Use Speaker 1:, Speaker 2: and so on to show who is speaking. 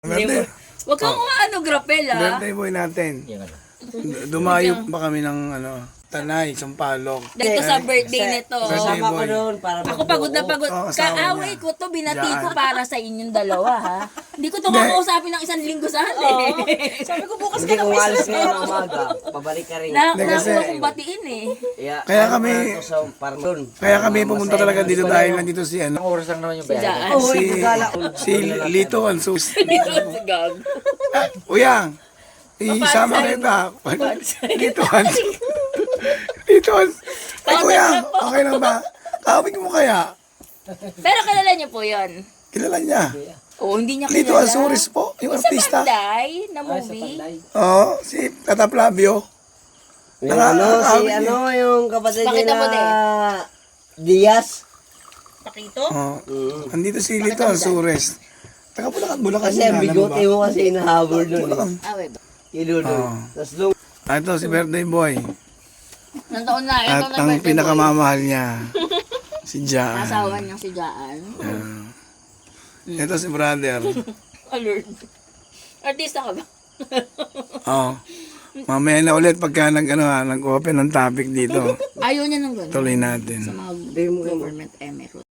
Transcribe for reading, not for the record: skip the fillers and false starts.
Speaker 1: Birthday.
Speaker 2: Huwag kang ano, grapel ah.
Speaker 1: Birthday boy natin. Dumayo pa kami ng Tanay, Sampalok.
Speaker 2: Dito sa birthday nito.
Speaker 1: Birthday
Speaker 3: Kasama ko
Speaker 1: boy.
Speaker 3: doon para
Speaker 2: Ako pagod na pagod.
Speaker 1: Oo, asawa
Speaker 2: Kaaway
Speaker 1: niya.
Speaker 2: ko to, binati
Speaker 1: Diyan.
Speaker 2: ko para sa inyong dalawa ha. Hindi ko to kakausapin ng isang linggo sa atin.
Speaker 4: Sabi ko bukas
Speaker 3: Hindi
Speaker 4: ka na
Speaker 3: kung
Speaker 4: pa
Speaker 3: alis ngayon ng umaga, pabalik ka rin.
Speaker 1: Hindi, kasi-
Speaker 2: Nakuha kong batiin eh.
Speaker 1: Kaya kami-
Speaker 3: ano to sa Parmon.
Speaker 1: Kaya kami pumunta talaga dito dahil nandito si
Speaker 5: Ang oras lang naman yung
Speaker 2: Si
Speaker 5: bayan.
Speaker 2: Jaan.
Speaker 3: Oh,
Speaker 1: si,
Speaker 3: gala.
Speaker 1: si Lito Ansus.
Speaker 2: Gag.
Speaker 1: Uyang, isama kita. Lito Ansus. Lito Ansus. Ay, Uyang, okay lang ba? Kawig mo kaya?
Speaker 2: Pero kilala niyo po yun.
Speaker 1: Kilala niya.
Speaker 2: Oo, hindi niya
Speaker 1: Lito
Speaker 2: kilala.
Speaker 1: Ansuris po, yung
Speaker 2: Sa
Speaker 1: artista.
Speaker 2: Panday na movie.
Speaker 1: Oo, si Tata Flavio.
Speaker 3: Yung ano, si
Speaker 1: Nakakawig
Speaker 3: ano, yung kapatid niya
Speaker 2: Pakita mo
Speaker 3: na Diaz.
Speaker 4: Pakito.
Speaker 1: Oo. Andito si Lito Ansuris. Taga Bulacan
Speaker 3: Kasi
Speaker 1: alam
Speaker 3: ang
Speaker 1: mo
Speaker 3: bigote
Speaker 1: ba?
Speaker 3: mo kasi inahabol doon.
Speaker 1: Bulacan.
Speaker 2: Ah, wait.
Speaker 3: Kilulo.
Speaker 1: Oo.
Speaker 3: Tapos nung
Speaker 1: Ito si birthday boy.
Speaker 2: Nandoon na. Ito
Speaker 1: At
Speaker 2: na
Speaker 1: ang
Speaker 2: birthday boy.
Speaker 1: pinakamamahal niya, si Jaan.
Speaker 2: Asawa niyang si Jaan.
Speaker 1: Ito si brother.
Speaker 2: Alert. Artista ka ba?
Speaker 1: Oo. Mamaya na ulit pagka nag-open ng topic dito.
Speaker 2: Ayaw niya ng gano'n.
Speaker 1: Tuloy natin.
Speaker 2: Sa mga government emirate.